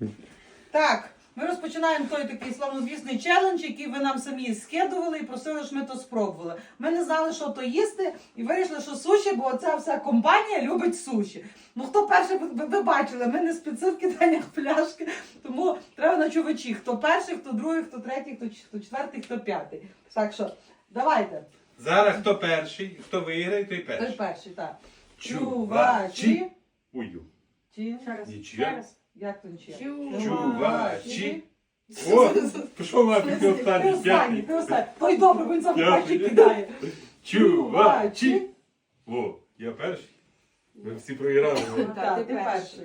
Так, ми розпочинаємо той такий славнозвісний челендж, який ви нам самі скидували і просили, щоб ми то спробували. Ми не знали, що то їсти, і вирішили, що суші, бо ця вся компанія любить суші. Ну хто перший, ви бачили, ми не спеці в киданнях пляшки, тому треба на чувачі. Хто перший, хто другий, хто третій, хто четвертий, хто п'ятий. Так що, давайте. Зараз хто перший, хто виграє, той перший. Той перший, так. Чувачі. Ую. Чи? Нічия. Як то нічия? Чувачі. О, пішов нафіг, ти останній, п'ятий. Ти останній. Той добре, бо він сам П'ятий. перший кидає. Чувачі. О, я перший. Ви всі проіграли. Так, ти перший.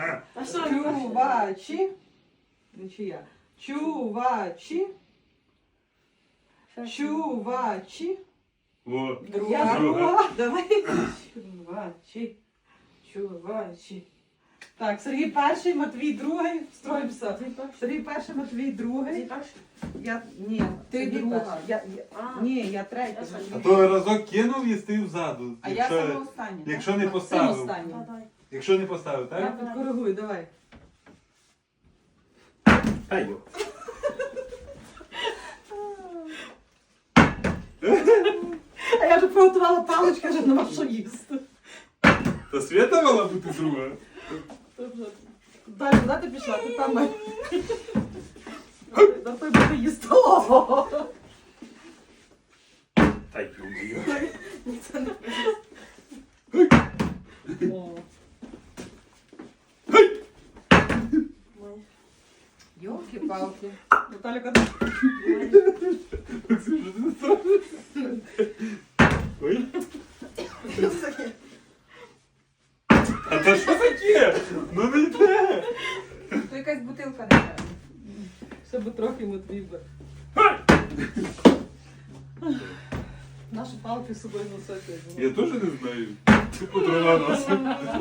Чувачі. Нічия. Чувачі. Чувачі. О, Я друга. друга. Давай. Чувачі. Чувачі. Так, Сергій перший, Матвій другий. Строїмося. Сергій перший, Матвій другий. Ні, Ти Сергій друга. перший. Ні, я третя. А то разок кинув і стив ззаду. А я саме остання. Якщо не Сам поставив. останній. Якщо не поставив, Я так? підкоригую, давай. Ай, йо. А я вже приготувала палички, вже нема що їсти. Та Свята мала бути друга. Далі, куди ти пішла? Ти там має. На той буде їсти. О! Та й О. Йолки-палки. Наталя, куди? Ой. А то що таке? Ну не йде. То якась бутилка не треба. Ще би трохи Матвій би. Наші палки з собою носити. Я теж не знаю. Тупо дрова носить.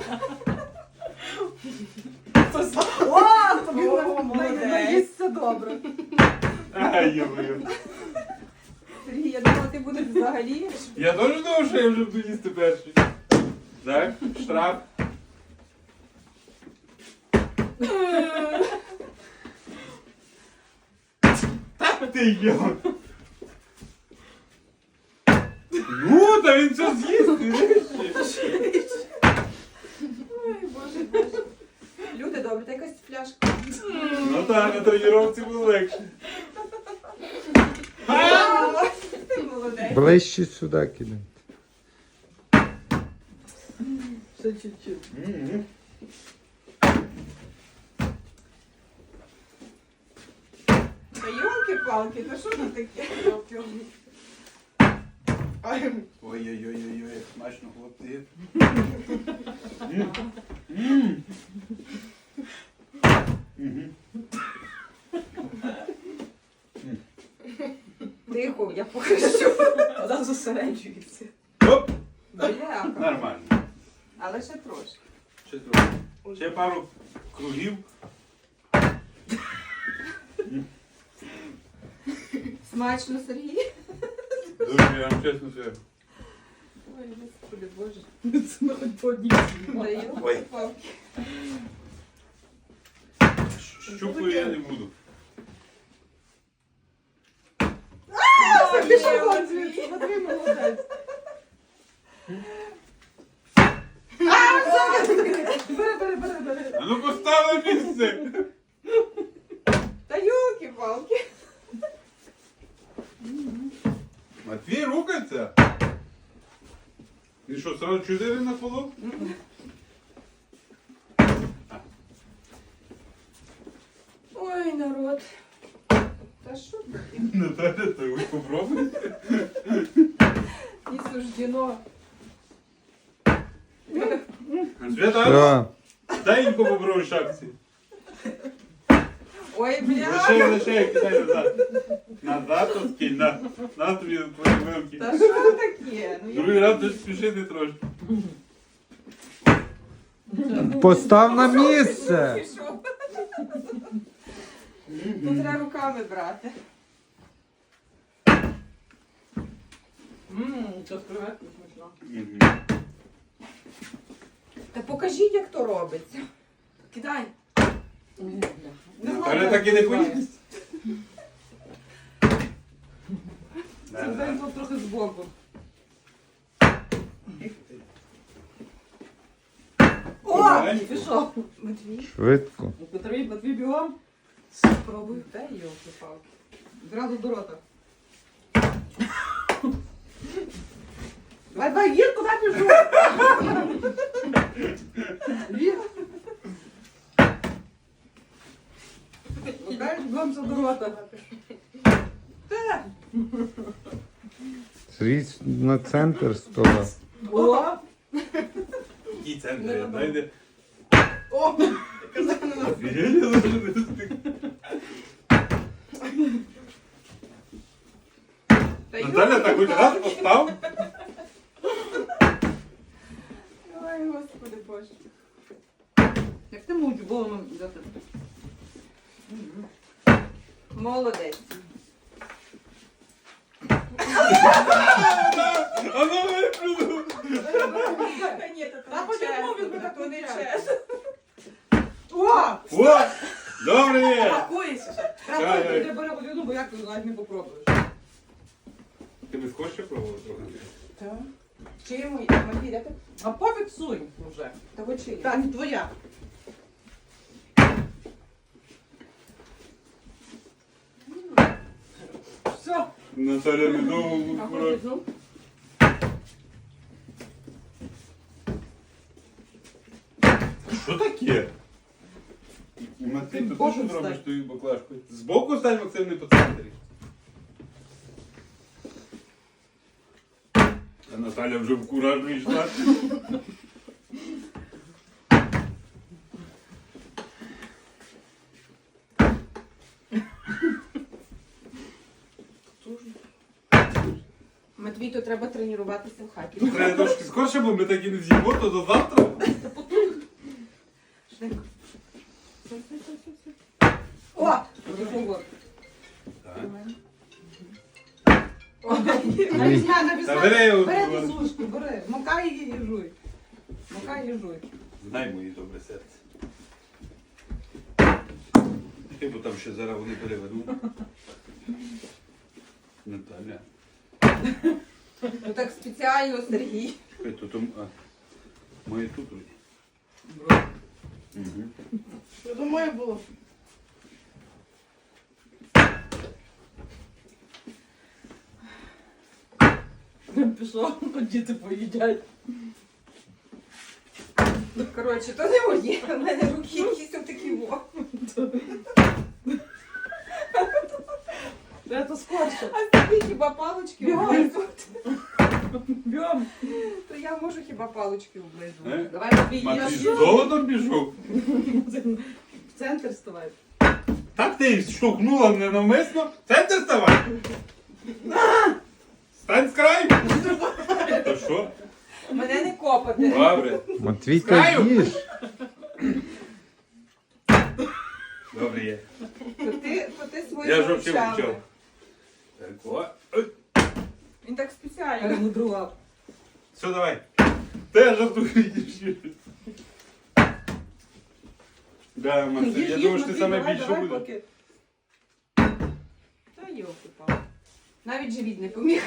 О, тобі О, молодець. наїсться добре. Ай, йо. Сергій, я думала, ти будеш взагалі. Я теж думав, що я вже буду їсти перший. Так, штраф. Та ти йо. Ну, та він все з'їсть. Ой, боже, боже. Люди добрі, та якась пляшка. Ну так, на тренувці було легше. Ти молодець. Ближче сюди кидай. Ще чуть-чуть. Та йолки-палки, та що це таке? Ай, Ой-ой-ой-ой, як смачно, хлопці. тихо, я покажу. Вона зосереджується. Оп, Бляха. нормально. Але ще трошки. Ще трохи. Ще пару кругів. Смачно, Сергій. Дуже, я вам чесно скажу. Ой, господи, боже. Це ми хоч по одній. Та йолки-палки. Щупаю я не буду. Пішов вон звідси, Матвій молодець. Бери. А ну поставили місце. Та йолки-палки. Матвій рухається. Він що, сразу 4 на полу? Ой, народ. Та що таке? Наталя, то ви попробуйте. Не суждено. Свята, Все. дай їм попробуй шапці. Ой, бля. Лише, кидай назад. Назад то скинь, на тобі твої вилки. Та що таке? Ну, Другий раз десь спішити трошки. Постав на місце. Пішов. Тут треба руками брати. Це з креветкою смачно. Та покажіть, як то робиться. Кидай. Мене так і не поїсть. Дай тут трохи збоку. О! Помаленьку. Пішов. Матвій, Швидко. Матвій бігом. спробуй. Дай йолки-палки. Зразу до рота. Давай, їр, куди пішов? Їр. Лукаєш, бігомся до рота. Сріч на центр стола. О! Який центр, я знайде. О! Казав на нас. Офігенно, що ти стик. Та Наталя так хоч раз постав. Ой, господи боже. Як ти мовчу голову взяти? Молодець. А ну виплюнув. Та ні, Та потягнув він мене то не кричать. чесно. О! О, добре є. Пакуйся ще. Треба Ай-ай. ти бери водину, бо як ти навіть не попробуєш. Ти не хочеш пробувати трохи? Так. Чи йому? Матвій, де ти? А пофіг сунь вже. Того чи? Та, не твоя. Все. Наталя не довго А брати. хочеш, ну? Що таке? Матвій, Ти то ти боком що робиш стань. тою баклажкою? Збоку стань, Максим, не по центрі. А Наталя вже в кураж вийшла. Матвій, то треба тренуватися в хаті. Треба трошки скорше, бо ми так і не з'їмо, то до завтра. Швидко. Все. О! Виходь. Так. Навіть Та бери його. Бери ту сушку, бери. Макай її і жуй. Макай і жуй. Знай моє добре серце. Ти, бо там ще зараз вони перевернуть. Наталя. Ну так спеціально, Сергій. Чекай, то там... Моє тут вроді. Угу. Що думаю було? Пішов, діти поїдять. Коротше, то не моє. У мене руки якісь такі во. Це скорше. А тобі хіба палочки Бігом. облизувати? Бьом. То я можу хіба палочки облизувати. Е? Давай тобі Матвій з їж. золотом пішов. В центр ставай. Так ти штовхнула ненавмисно. Центр ставай. Стань з краю. То що? Мене не копати. Добре. Матвій, та Знаю. їж. Добре є. То ти свої Я ж взагалі навчали. мовчав. Так, о. Ой. Він так спеціально. Перемудрував. Все, давай. Ти жартую їж. Да, Максим, я думаю, що ти саме більше буде. поки. Та йолки палки. Навіть живіт не поміг.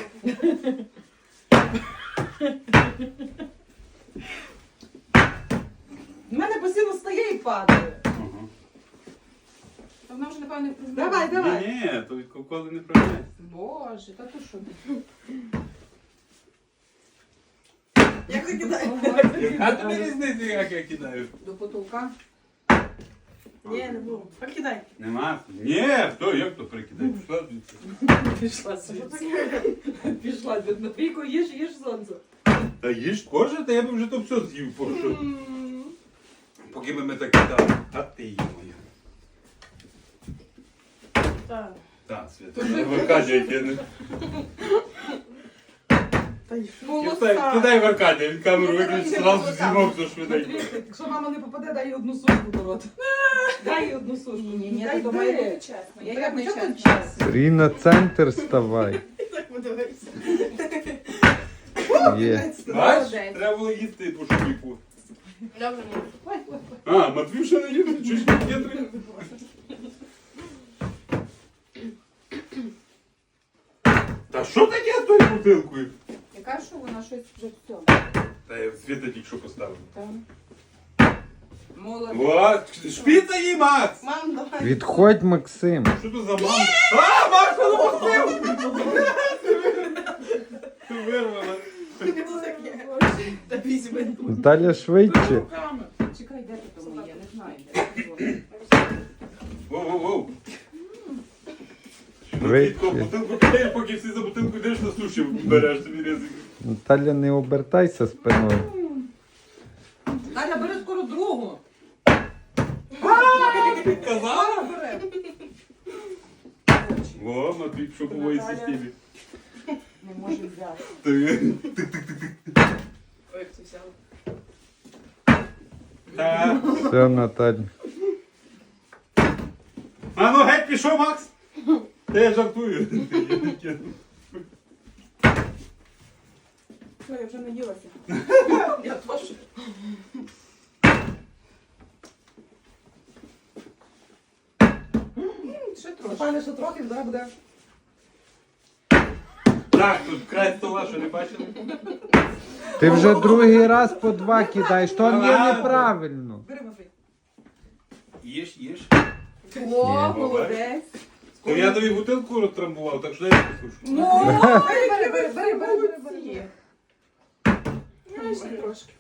В мене постійно стає і падає. Ага. То вона вже, напевно, не Давай, давай. Ні, то від коли не пройде. Боже, та то що? Як ти кидаєш? Яка тобі різниця, як я кидаю? До потолка. Ні, не буду. Покидай. Нема. Ні, хто, як то прикидай? Пішла звідси. Пішла звідси. Пішла. Матвійко, їж сонце. Та їж кожен, та я б вже то все з'їв, поки поки ми так кидали. А ти її моя. Так. Так, Свята, в Аркадія я не... Та й Кидай в Аркадія, він камеру виключить, зразу знімав все швиденько. Матвійко, якщо мама не попаде, дай їй одну сушку до рота. Дай їй одну сушку. Ні, Дай, то має бути чесно. Я як не Чого тут чесно. час? Срій на центр ставай. Є. Бач, треба було їсти по шуміку. Добре, ні. Ой, ой, ой. А, Матвій ще не їде, чуть не є три. що таке з тою бутилкою? Яка що вона щось вже в цьому? Та я Світа тільки що поставив. Там. Молодець. О, шпіца їй, Макс! Мам, давай. Відходь, Максим. Що тут за мама? А, Макс, допустив! Ти вирвала. Та візьми. Наталя швидше. Чекай, де ти тому є? Не знаю, де. Воу-воу-воу. Швидше. Швидко, бутилку кидаєш, поки всі за бутилку йдеш на суші береш собі ризик. Наталя, не обертайся спиною. Таня, бери скоро другу. Ти казала? Бери. О, Матвій пішов по моїй системі. Не можу взяти. Ти- Ой, як це взяла. Та. Все, Наталя. А ну геть пішов, Макс! Та я жартую. Що, я вже наїлася. Я теж. Ще трошки. Пане, що трохи, зараз буде. Так, тут край стола, що не бачили? Ти вже другий раз по 2 кидаєш, то є Ладно. неправильно. Бери, Матвій. Їж, їж. О, молодець. То я тобі бутилку розтрамбував, так що дай я послушу. Ну, бери. Я ще трошки.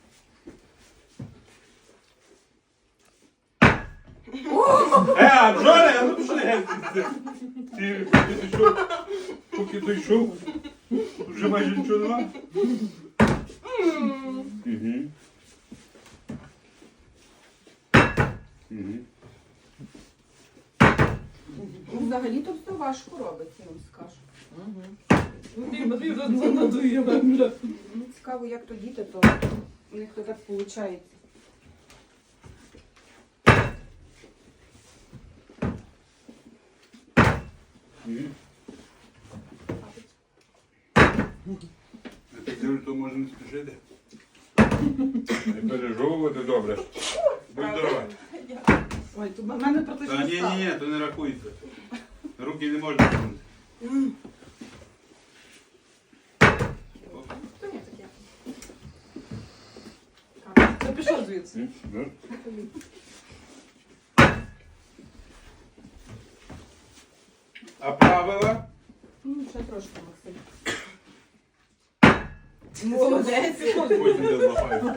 А Джоне, а ну пішли геть. Ти пішов, поки той йшов, вже майже нічого нема. Мгм. Мгм. Ну, взагалі-то все важко робиться, я вам скажу. Матвій вже надує вже. Ну, цікаво, як то діти, то у них то так виходить. Мгм. Я так дивлюсь, то може не спішити. Не пережовувати добре. Будь здорова. Ой, тут в мене про те, що Та ні, ні, ні, то не рахується. Руки не можна тягнути. Хто не таке? Це пішов звідси. А правила? Ну, ще трошки, Максим. Молодець. Потім я злапаю.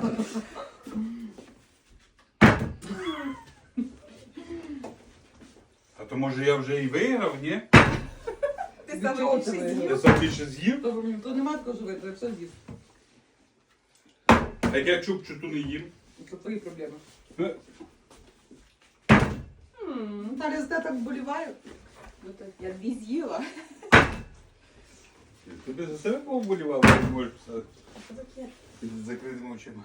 А то може я вже і виграв, ні? Ти Від чого саме ти більше виграв? Я з'їв. сам більше з'їв. То нема такого, що витримає, все з'їсть. А як я чупчу, то не їм. Це твої проблеми. Е, Наталя, з де так вболіває? Ну, то я 2 з'їла. Тобі за себе повболівало, не можеш писати. Що таке? З закритими очима.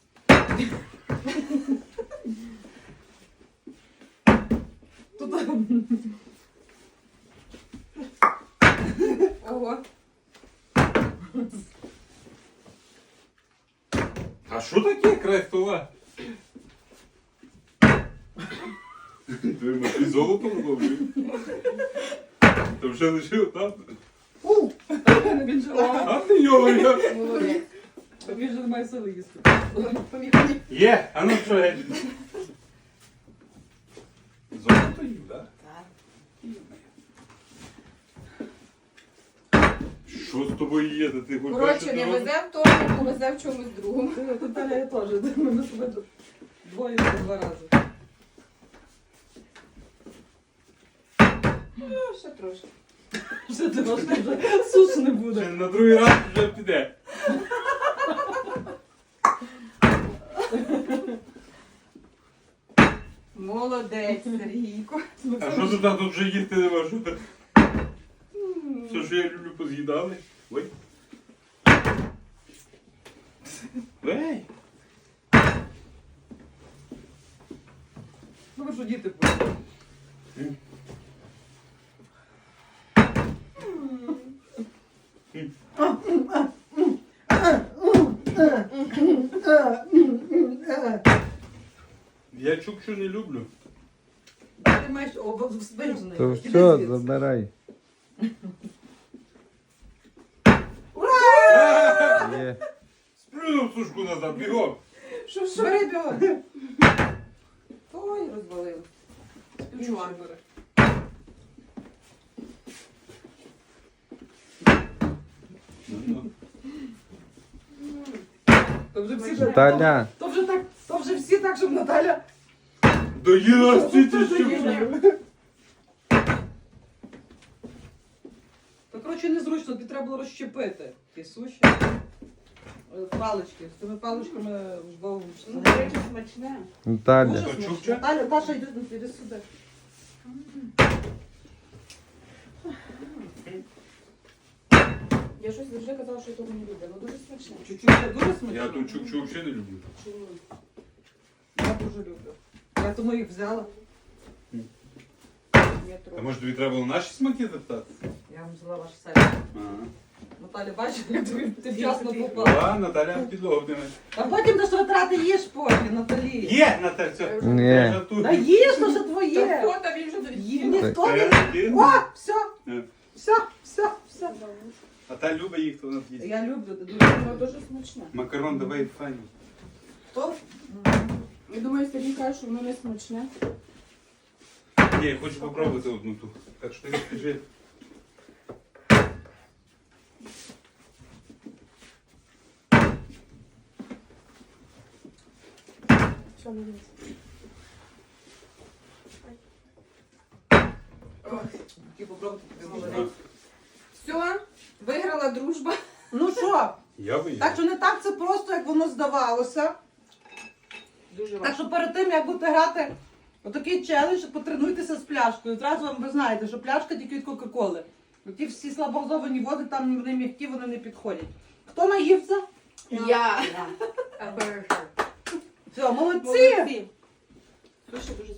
Тут Ого. А що таке край стола? Ти золото ловив? То вже лишив там? він же А ти його я. Молодець. він же не має сили їсти. Є, а ну що геть? Золото їв, так? Що з тобою є? Та ти хоч Коротше, бачиш, не що везе в тому, повезе в чомусь другому. Наталя, я теж. Ми з тобою двоє по 2 рази. Ну, ще трошки. Вже ти вже суш не буде. Ще на другий раз вже піде. Молодець, Сергійко. А що тут тут вже їсти нема? Що ти? Все, що я люблю, поз'їдали. Ой. Ей! Ну ви що діти будуть? Я чукчу не люблю. Ти маєш обвержений. То все, забирай. Є. Сплюнув сушку назад, бігом. Що? Бери бігом. Ой, розвалили. Співчуваю. Ну, То вже всі Наталя, То вже всі так, щоб Наталя. доїла стільки, що То, коротше, незручно, тобі треба було розщепити ті суші. Палички. З цими паличками вдвох. Ну, до речі, смачне. Наталя. Дуже То смачно. чукча? Наталя, Даша, йди сюди. Я щось завжди казала, що я того не люблю. Ну дуже смачне. Чуть-чуть це дуже смачно. Я тут чукчу взагалі не люблю. Чи ні? Я дуже люблю. Я тому їх взяла. Я А трохи. може тобі треба було наші смаки запитати? Я вам взяла ваш сайт. Ага. Наталя, бачиш, як ти вчасно попала. А, Наталя підлогу вдиме. А потім до що витрати їж потім, Наталі. Є, Наталя, все. Ні. Я жартую. Та їж, то що Та твоє. хто там він вже Їм довідів? ніхто не... Ти? О, все, Е. все. А та любить їх, то вона їсть. Я люблю, ти дуже. Воно дуже смачне. Макарон давай файно. Хто? Я думаю, Сергій каже, що воно не смачне. Ні, я хочу попробувати одну ту. Так що ти скажи. Що не їсть? Тільки попробуйте. Все, виграла дружба. Ну що, Я би так що не так це просто, як воно здавалося. Дуже Так важко. що перед тим, як будете грати отакий челендж, потренуйтеся з пляшкою. Зразу вам ви знаєте, що пляшка тільки від Кока-Коли. Ті всі слабоазовані води, там вони м'які, вони не підходять. Хто наївся? Я. Все, молодці! Молодці. Дуже дуже